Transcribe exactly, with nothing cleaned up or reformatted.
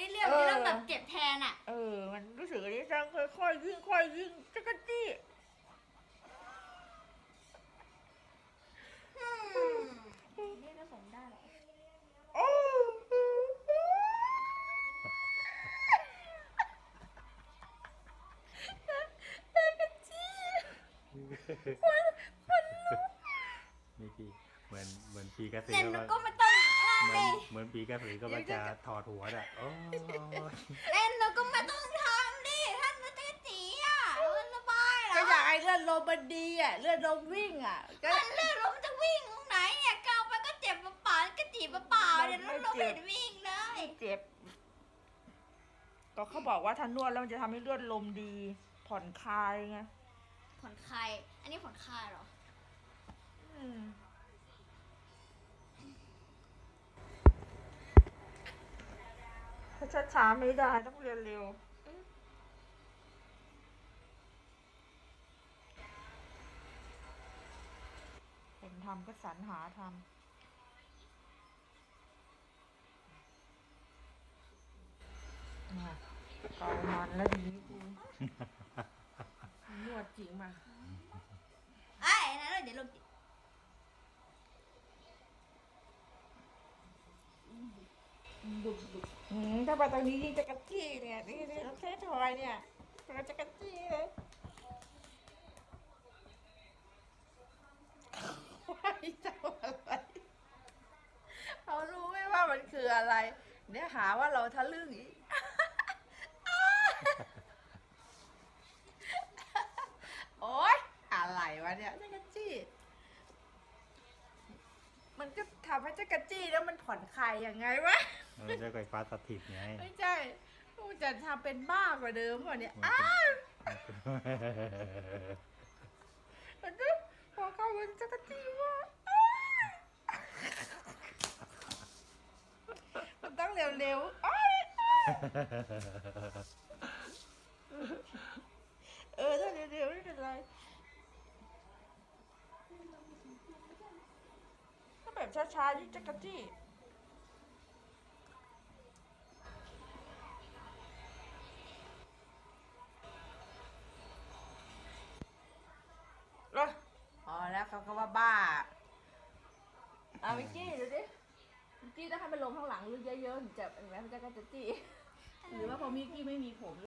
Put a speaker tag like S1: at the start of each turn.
S1: ได้เรื่องได้เรื่องแบบเจ็บแทนอ่ะ
S2: เออมันรู้สึกอันนี้จังค่อยๆยิ่งค่อยยิ่งจักรจี้
S1: เรียกผสมได้หรอ
S2: โอ้จักรจี้
S3: นี่พี่เหมือนเหมือนปีกระสื
S1: เล่น
S3: ก็
S1: แล้วก็ไม่ต้องอะไร
S3: เหมือนเหมือนปีกระสือก็มันจะถอดหัวอ่ะโอ้ย
S1: เล่นแล้วก็ไม่ต้องทำดิท่านมันจะจีอ่ะมันสบายเหร
S2: ก็
S1: อ
S2: อยากให้เลือดลมมันดีอ่ะเลือดลมวิ่งอ่ะก็
S1: มันเล่นแล้วมันจะวิ่งตรงไหนเนี่ยก้าวไปก็เจ็บเปล่าๆก็จีบเปล่าๆเดี๋ยวเราไม่เห็นวิ่งเลย
S2: เจ็บก็เขาบอกว่าถ้านวดแล้วมันจะทำให้เลือดลมดีผ่อนคลายไง
S1: ผ่อนคลายอันนี้ผ่อนคลายเหรอ
S2: อืมถ้าช้าๆไม่ได้ต้องเรียนเร็วคนทำก็สรรหาทำอ่ะเกามันแล้วทีนี้กูนวดจริงมา
S1: ไอ้นั่นเดี๋ยวลงจิ
S2: ดุกดุกอืมถ้าไปตรงนี้ยิ่งจะกระจี้เนี่ยนี่นี่แค่ทอยเนี่ยมันจะกระจี้เลยว่าจะอะไรเขารู้ไหมว่ามันคืออะไร เนี่ยหาว่าเราทะลึ่งอีก โอ๊ยอะไรวะเนี่ยจักรจี้ มันก็ทำให้จักรจี้แล้วมันผ่อนคลายยังไงวะ
S3: มันจะไฟฟ้าสถิตไง
S2: ไม่ใช่กูจะทำเป็นบ้ากว่าเดิมกว่านี้
S3: มัน
S2: อ้า
S3: เป็น
S2: วมันก็พอเข้ามันจักรจี้ว่ามันต้องเร็วๆอ้ายเออถ้าเร็วๆไม่เป็นไรถ้าแบบช้าๆยิ่งจักรจี้เอออ๋อแล้วเขาก็ว่าบ้าเอาวิกกี้ดูดิวิกกี้ต้องให้มันลงข้างหลังลึกเยอะๆถึงจะเห็นไหมมันจะกระจี้หรือว่าพอมิกกี้ไม่มีผม